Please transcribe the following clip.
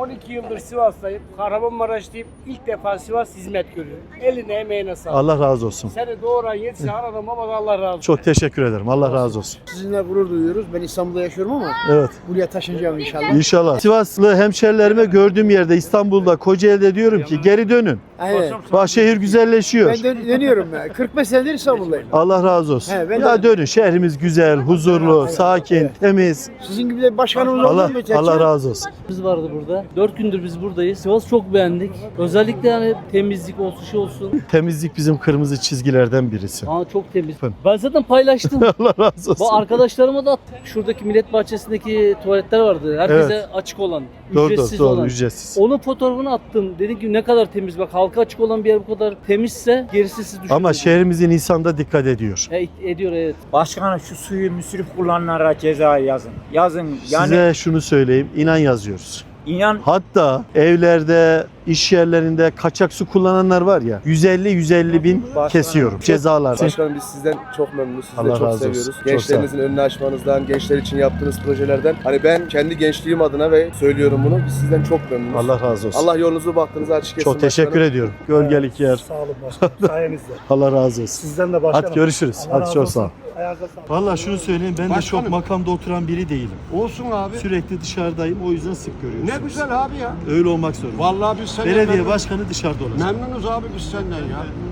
12 yıldır Sivas'tayım. Kahramanmaraş'tayım. İlk defa Sivas hizmet görüyorum. Eline emeğine sağlık. Allah razı olsun. Seni doğuran yetişen adam ama Allah razı olsun. Çok teşekkür ederim. Allah razı olsun. Sizinle gurur duyuyoruz. Ben İstanbul'da yaşıyorum ama Evet. buraya taşınacağım inşallah. İnşallah. Sivaslı hemşerilerime gördüğüm yerde İstanbul'da, Kocaeli'de diyorum ki geri dönün. Evet. Bak şehir güzelleşiyor. Ben dönüyorum ya. 45 senedir İstanbul'dayım. Allah razı olsun. He, ben Ya de- dönün. Şehrimiz güzel, huzurlu, sakin, temiz. Sizin gibi de bir başkanımız Allah oldu mu? Allah razı olsun. Biz vardı burada. 4 gündür biz buradayız. Sivas çok beğendik. Özellikle yani temizlik olsun, şey olsun. Temizlik bizim kırmızı çizgilerden birisi. Aa, çok temiz. Ben zaten paylaştım. Allah razı olsun. Bu arkadaşlarıma da attım. Şuradaki Millet Bahçesi'ndeki tuvaletler vardı. Herkese Evet. açık olan, Doğru ücretsiz doğru olan. ücretsiz. Onun fotoğrafını attım. Dedim ki ne kadar temiz. Bak halka açık olan bir yer bu kadar temizse gerisi siz düşünün. Ama şehrimizin insanı da dikkat ediyor. Ediyor evet. Başkanım şu suyu müsrif kullananlara ceza yazın. Yazın yani Size şunu söyleyeyim, inan yazıyoruz. inan Hatta evlerde, iş yerlerinde kaçak su kullananlar var ya, 150 bin kesiyorum cezalar. Başkanım biz sizden çok memnunuz. Sizi Allah de çok razı olsun. seviyoruz. Çok Gençlerinizin önünü açmanızdan, gençler için yaptığınız projelerden. Hani ben kendi gençliğim adına ve söylüyorum bunu. Biz sizden çok memnunuz. Allah razı olsun. Allah yolunuzu bahtınızı açık etsin. Çok teşekkür ediyorum. Gölgelik yer. Sağ olun başkanım. Sayenizde. Allah razı olsun. Sizden de başkanım. Hadi görüşürüz. Allah Hadi razı çok olsun. sağ ol. Ayağınıza sağlık. Vallahi şunu söyleyeyim, ben de Başkanım. çok makamda oturan biri değilim. Olsun abi. Sürekli dışarıdayım, o yüzden sık görüyorsunuz. Ne güzel abi ya. Öyle olmak zorunda. Vallahi biz senden Belediye memnun- başkanı dışarıda olacak. memnunuz abi biz senden ya.